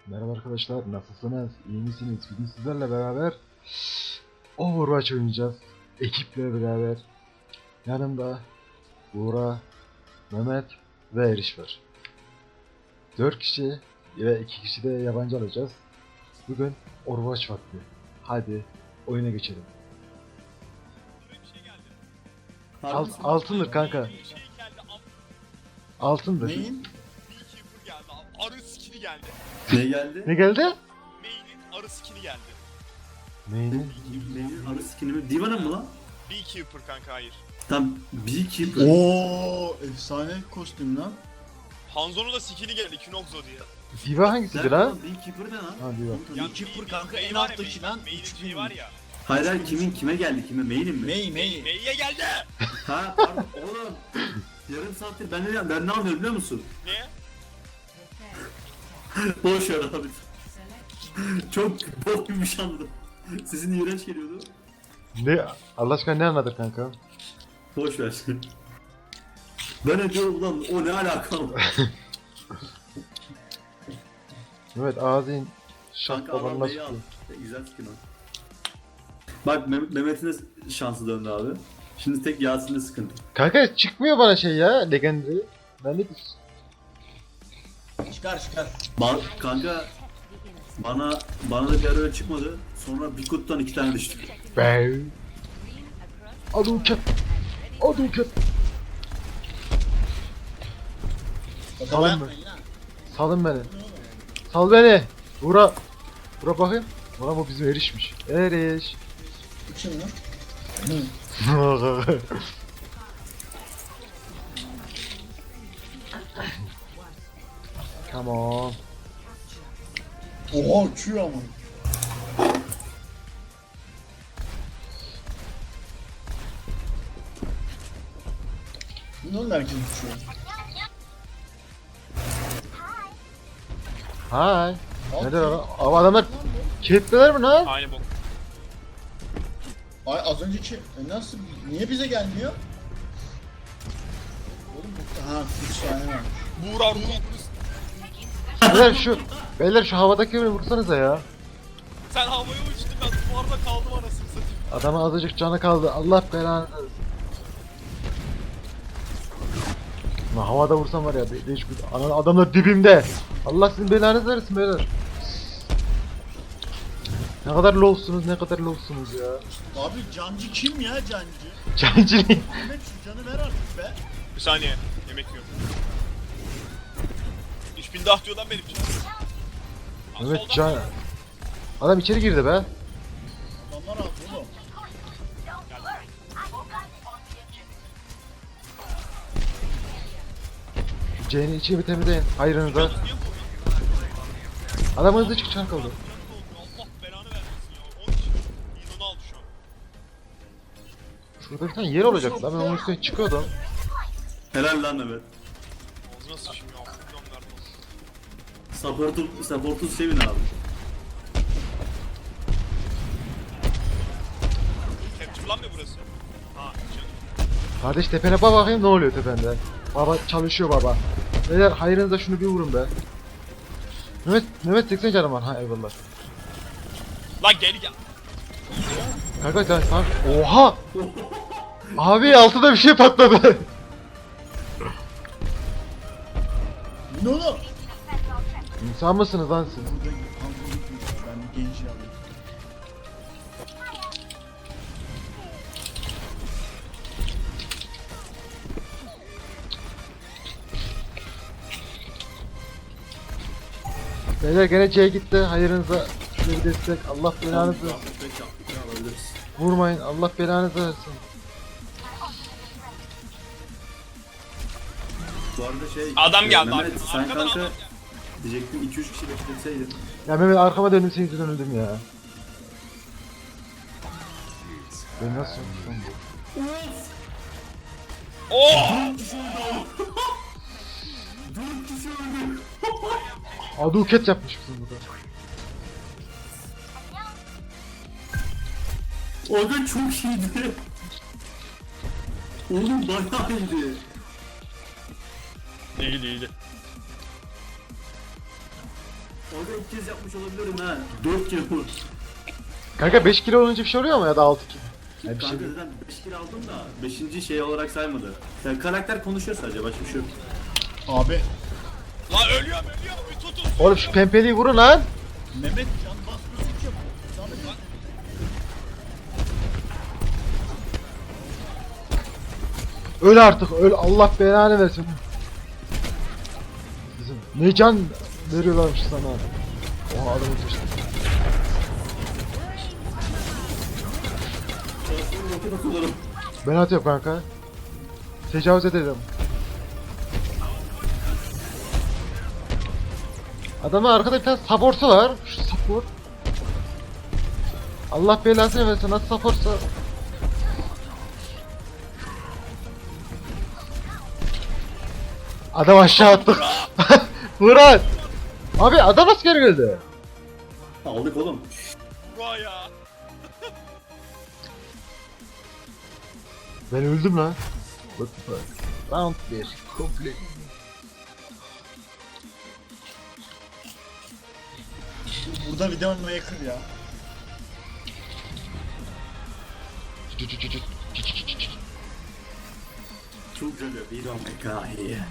Merhaba arkadaşlar, nasılsınız? İyi misiniz? Bugün sizlerle beraber Overwatch oynayacağız. Ekiple beraber. Yanımda Buğra, Mehmet ve Eriş var. 4 kişi ve 2 kişi de yabancı alacağız. Bugün Overwatch vakti. Hadi oyuna geçelim. Altındır kanka. Altındır. Neyin? Beekeeper geldi abi. Arı skini geldi. Ne geldi? Ne geldi? Main'in arı skini geldi. Neydi? Benim arı skin'i mi? Diva'nın mı lan? Beekeeper kanka hayır. Tam Beekeeper. Oo, efsane kostüm lan. Hanzo'nun da skini geldi Kinoxo diye. Diva hangisiydi lan? Beekeeper ne lan? Ha Diva. Beekeeper kanka, en May var ya, alttaki May- lan, May'in üç şeyi bin. var ya. Hayır hayır kime geldi? Kime? Main'in mi? May. May'e geldi. Ha pardon oğlum. Yarım saattir ben ne anlıyorum biliyor musun? Ne? Boş ver abi. Çok bok gibi bir şey anladım. Sesin iğrenç geliyordu. Ne? Allah aşkına ne anladın kanka? Boş ver. Ben ne diyorum ulan o ne alaka? Evet ağzın şak Kanka babanla adam neyi sıkıyor. al? Güzel skin o. Bak Mehmet'in de şansı döndü abi. Şimdi tek Yasin'de sıkıntı. Kanka çıkmıyor bana şey ya Legendary. Ben ne diyorsun? Çıkar. Kanka bana da bir ara öyle çıkmadı. Sonra bir kutudan 2 tane düştü. Be. Aduket. Salın beni. Salın beni. Sal beni. Bura bakayım. Ulan bu bizim erişmiş. Eriş. Bu kim lan? Come on. Oha uçuyor ama. Ne oldu herkes uçuyor? Hay. Neler adam? Abi adamlar kilitliler mi lan? Aynı bok. Ay az önceki nasıl? Niye bize gelmiyor? Oğlum bu ha 3 tane var. Buğra ruh. Beyler şu havadaki birini vursanıza ya. Sen havaya uçtun ben duvarda kaldım anasını satayım. Adama azıcık canı kaldı. Allah belanı versin. Lan havada vursam var ya değişik. Adamlar dibimde. Allah sizin belanızı versin beyler. Ne kadar lowsunuz ya. Abi cancı kim ya cancı? Cancili. Ahmet şu canı ver artık be. Bir saniye. Yemek yiyorum. 3000 dah diyor lan benim için. Aa, Evet soldan can. Adam içeri girdi be. Adamlar aldı oğlum. C'nin içini bir temizleyin. Hayrınıza. Niye vuruyor? Adam hızlı çık çark oldu. Allah belanı vermesin ya. 10 kişi. İyi onu aldı şu an. Şurada bir tane yer olacak lan ben onun üstüne çıkıyordum. Helal lan Mehmet. Ağzına sıçayım ya. Bilmem nerede olsun. Support'u sevin abi. Capture lan mı burası? Ha canım. Kardeş tepene bak bakayım ne oluyor tepende. Baba çalışıyor baba. Beyler hayrınıza şunu bir vurun be. Mehmet 80 canım var ha eyvallah. Lan geri gel. Kanka. Oha! Abi altıda bir şey patladı. Ne oğlum? İnsan mısınız lan siz? Burada ben bir genci alayım. Beyler gene C gitti hayrınıza. Şöyle bir destek Allah belanızı versin. Alabiliriz. Vurmayın Allah belanızı versin. Bu arada şey... Adam geldi, Mehmet sen arkadan kanka adam diyecektim 2-3 kişi bekletseydin. Ya Mehmet arkama döndüm senin yüzünden öldüm ya. Ben nasıl yaptım bu? Oh! Aduket yapmışsın burada. O da çok iyiydi. Oğlum bayağı iyiydi. İyiydi iyiydi. Orada ilk kez yapmış olabilirim ha. 4 kere vur. Kanka 5 kilo olunca bir şey oluyor mu ya da 6 kilo? Ya bir şey Kanka değil. zaten 5 kere aldım da 5. şey olarak saymadı. Yani karakter konuşuyor sadece, başka bir şey yok. Abi Lan ölüyorum. Bir tutun. Oğlum şu pempeliği vurun lan. Mehmet can basmıyorsun ki. Zahmet et. Öl artık öl, Allah belanı versin. Kızım ne can veriyorlarmış sana. Oha adamı düştü. Roket atıyorum. Ben atıyorum kanka. Tecavüz edelim. Adamın arkada bir tane support'u var. Şu support. Allah belasını versin, nasıl support'sa. Adam aşağı attı. Murat. Abi adam nasıl geri geldi? Aldık oğlum. Bura ya. Ben öldüm lan. What the fuck? Round 1. Complete. Burada video oynamaya yakın ya. Çok güzel bir hikaye.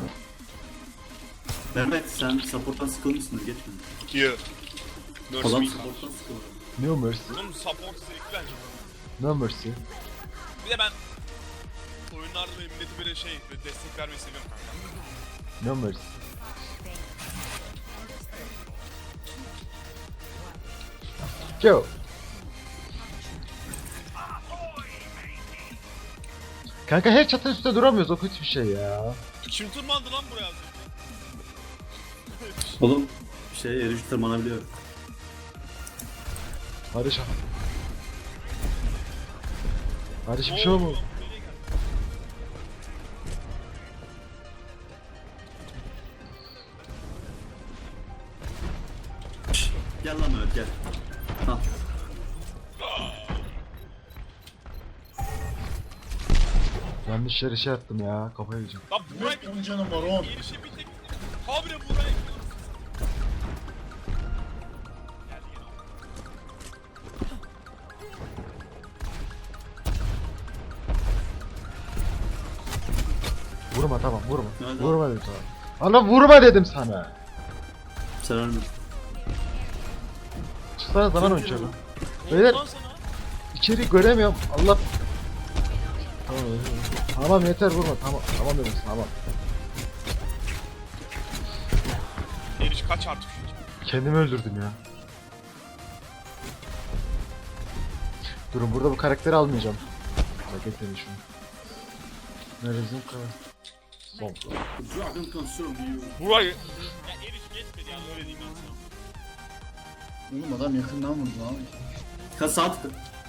Mehmet sen support'tan sıkılmışsındır, geçme. Here. Nurse Adam me. support'tan sıkıldı. No mercy. Oğlum support zevkli bence. No mercy. Bir de ben oyunlarda böyle milleti böyle böyle destek vermeyi seviyorum kanka. No mercy. Go. Kanka her çatı üstte duramıyoruz, o kötü bir şey ya. Kim tırmandı lan buraya? Oğlum eriş tırmanabiliyor. Barış abi. Barış bir şey olmadı. Gel lan Mehmet gel. Ha. Yanlış yere şey attım ya, kafayı yiyeceğim. Lan buraya Mehmet 10 canım var 10. erişe bir tek. Habire buraya. Vurma tamam, vurma. Nerede? Vurma dedim sana. Ana vurma dedim sana. Sen ölmedin. Çıksana zaman oynuyorum. Beyler Ondan sana. içeri göremiyorum. Allah. Tamam, tamam yeter vurma. Tamam dedim sana, tamam. Eriş kaç artık şu. Kendimi öldürdüm ya. Durun, burada bu karakteri almayacağım. Hareket edin şunu. Neredesin karakter? Son. The dragon consume you. Burayı. Ya eriş geçmedi yani, öyle diyeyim ben sana. Oğlum adam yakından vurdu abi. Kaç saat?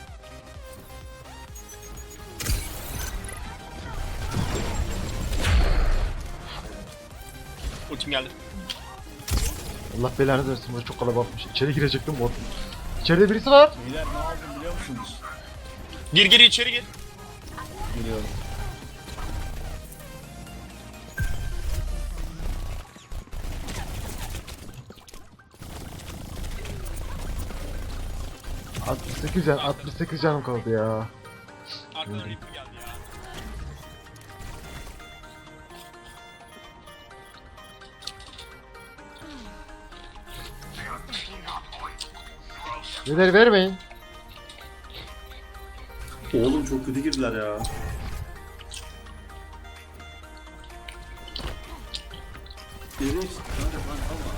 Ultim geldi. Allah belanı versin, burada çok kalabalıkmış. İçeri girecektim bot. İçeride birisi var. Beyler ne aldım biliyor musunuz? Gir içeri gir. Geliyorum. Can, 68 canım kaldı ya. Arkadan Reaper geldi ya. Neler vermeyin. Oğlum çok kötü girdiler ya. Eriş, kanka tank alma.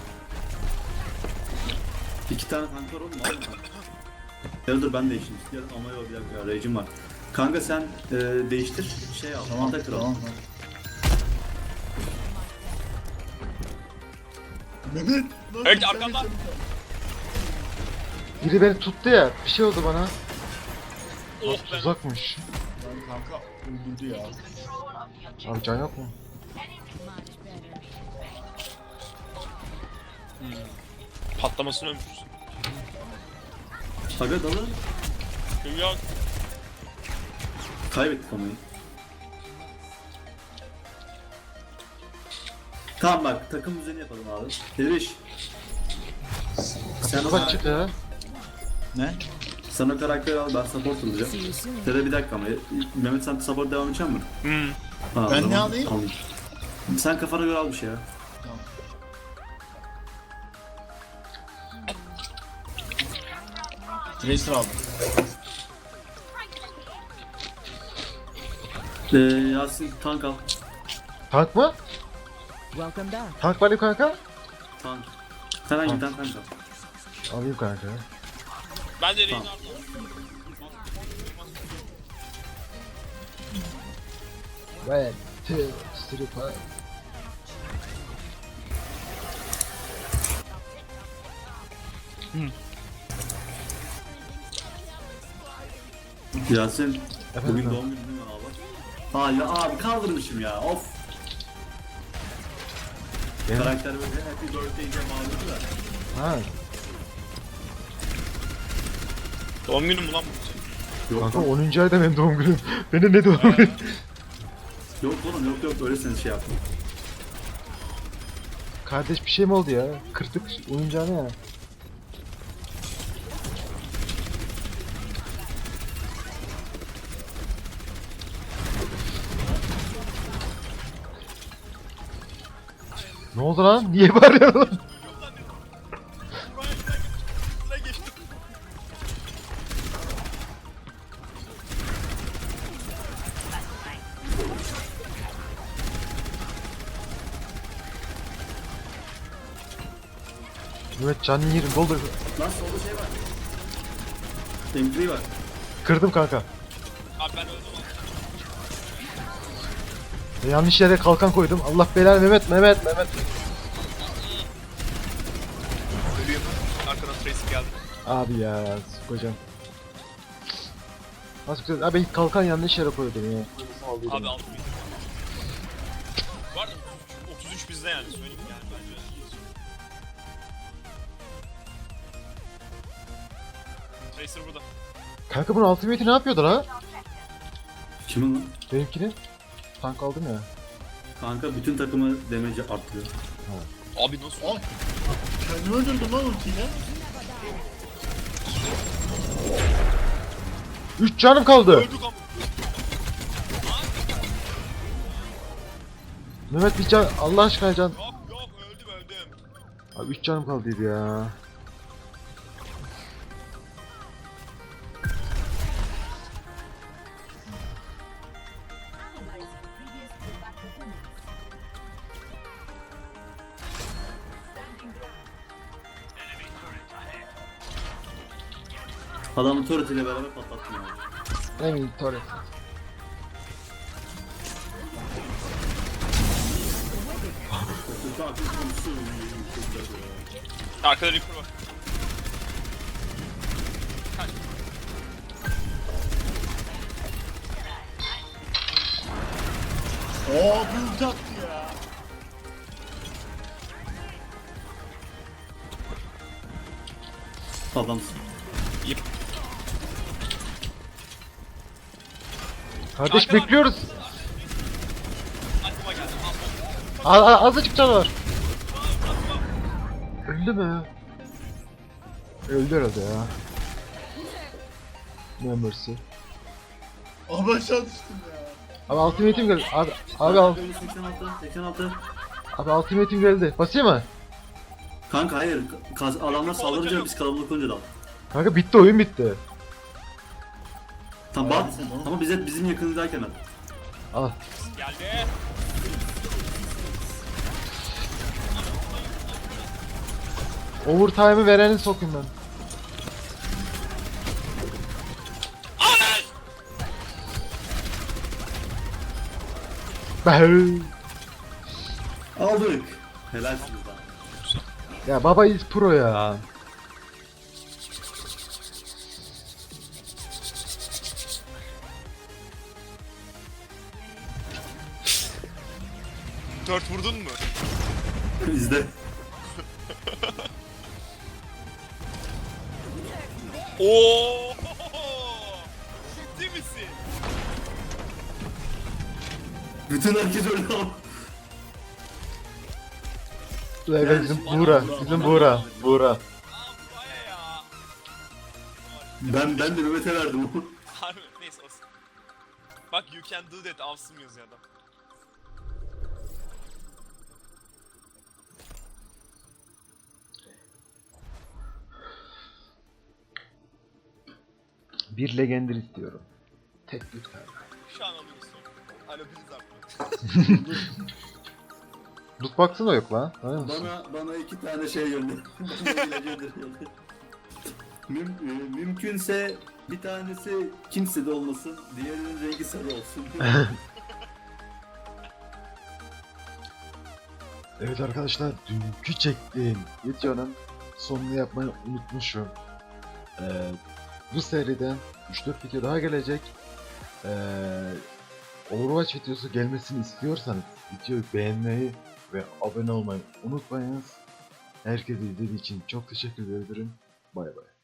2 tane tank var oğlum, alma tank. Gel dur ben değişeyim. Gel ama yok bir dakika, rage'im var. Kanka sen değiştir, şey al, Tamam ata kral. tamam. Mehmet. lan Evet, sen arkamda. yaşadın. Biri beni tuttu ya. Bir şey oldu bana. Oh be. Tuzakmış. Lan kanka öldürdü ya. Abi can yok mu? Patlamasını ömürsün. Aga dalın. Yok. Kaybettik amayı. Tamam bak, takım düzeni yapalım abi. Eriş. Sen o, Bak çık ya. Ne? sen o karakteri al, ben support olacağım. Tere bir dakika ama. Mehmet sen support devam edecek misin? Hmm. Ha, o Ben zaman ne alayım? alayım. Sen kafana göre al bir şey ya. Tamam. Tracer aldım. Yasin tank al. Tank mı? Welcome back. Tank var ya kanka. Tank. Herhangi bir tane tank al. Alayım kanka. Ben de Tamam. Reinhardt'la. One, two, three, five. Yasin. Efendim Bugün abi? doğum günü değil mi abi? Hala abi kaldırmışım ya of. Benim- Karakter böyle happy birthday diye bağırıyordu da. Ha. Doğum günüm mü lan bu? Yok, Kanka yok, 10. ayda benim doğum günüm. Benim ne doğum günüm? yok oğlum yok öyle sen şey yaptın. Kardeş bir şey mi oldu ya? Kırdık oyuncağını ya. Ne oldu lan? Niye bağırıyorsun lan? Buraya geçtim. Evet canını yerim doldur. Lan solda şey var. MP var. Kırdım kanka. Abi ben öldüm abi. Yanlış yere kalkan koydum. Allah belanı Mehmet. Ölüyorum. Arkadan Tracer geldi. Abi ya kocam. Nasıl güzel. Abi kalkan yanlış yere koydum ya. Abi aldım. Var da 33 bizde yani söyleyeyim yani bence. Tracer burada. Kanka bunun ultimate'i ne yapıyordu la? Kimin lan? Benimkini. Tank aldım ya. Kanka bütün takımı damage arttırıyor. Abi nasıl? Ay. Kendimi öldürdüm lan ultiyle. 3 canım kaldı. Öldük ama. Mehmet bir can. Allah aşkına can. Yok öldüm. Abi 3 canım kaldıydı ya. Adamın turret ile beraber patlattım ya. Emin Torres. Arkada Reaper var. Kaç. Oo bir ulti attı ya. Adamsın. Kardeş Kanka var. bekliyoruz. Aklıma geldi. Azıcık can var. Öldü mü? Öldü herhalde ya. No mercy. Abi aşağı düştüm ya. Abi ultimate'im geldi. Abi 86. Ultimate'im geldi. Basayım mı? Kanka hayır. Adamlar saldırınca biz kalabalık olunca da al. Kanka bitti oyun bitti. Tamam Hayır, bat. sen onu- Ama bizim yakınındayken al. Al. Geldi. Overtime'ı vereni sokayım ben. Bah! Aldık. Helalsiniz lan. Ya baba is pro ya. Dört vurdun mu? İzle. Oo! Ciddi misin? Bütün herkes öldü ama. Evet bizim Buğra. Bizim Buğra. Buğra. Ben de Mehmet'e verdim onu. Harbi neyse olsun. Bak you can do that avsım yazıyor adam. Bir Legender istiyorum. Tek lütfen. Şu an alıyorsun. Alo Blizzard mı? Lootbox'ı da yok lan. Tanıyor musun? Bana 2 tane şey gönder. Mümkünse bir tanesi kimsede olmasın, diğerinin rengi sarı olsun. Evet arkadaşlar, dünkü çektiğim videonun sonunu yapmayı unutmuşum. Bu seriden 3-4 video daha gelecek. Overwatch videosu gelmesini istiyorsanız videoyu beğenmeyi ve abone olmayı unutmayınız. Herkese izlediği için çok teşekkür ederim. Bay bay.